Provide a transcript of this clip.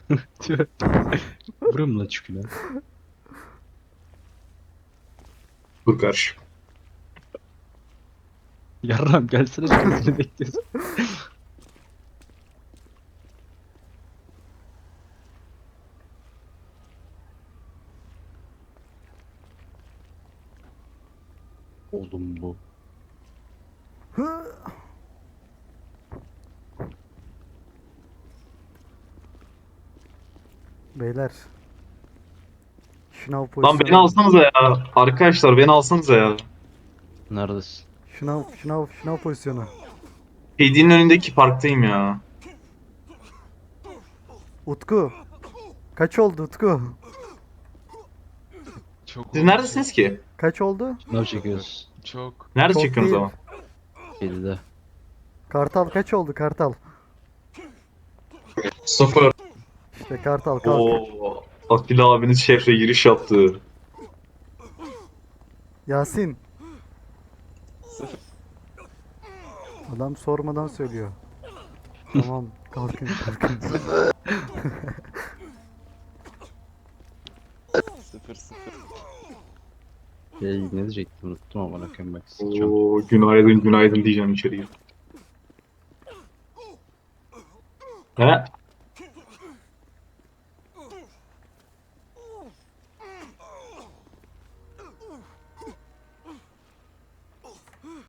Vururum la çüküne. Dur karşı. Yarram gelsene şuraya seni bekliyoruz. Oğlum bu. Beyler. Şınav Lan beni pozisyonu. alsanıza ya. Arkadaşlar beni alsanıza ya. Neredesin? Şınav pozisyonu. Hediyenin önündeki parktayım ya. Utku. Kaç oldu Utku? Çok Siz oldu, neredesiniz ki? Kaç oldu? Ne çok. çekiyoruz? Çok. Nerede Çok çekiyorsunuz değil. ama? 7'de. Kartal kaç oldu Kartal? Sıfır. İşte Kartal kalk. Oo, Atilla abiniz şehre giriş yaptı. Yasin. Adam sormadan söylüyor. Tamam kalkın kalkın. Sıfır sıfır. Ne diyecektim unuttum ama bakayım bak sıçacağım. Oo, günaydın günaydın diyeceğim içeriye. He?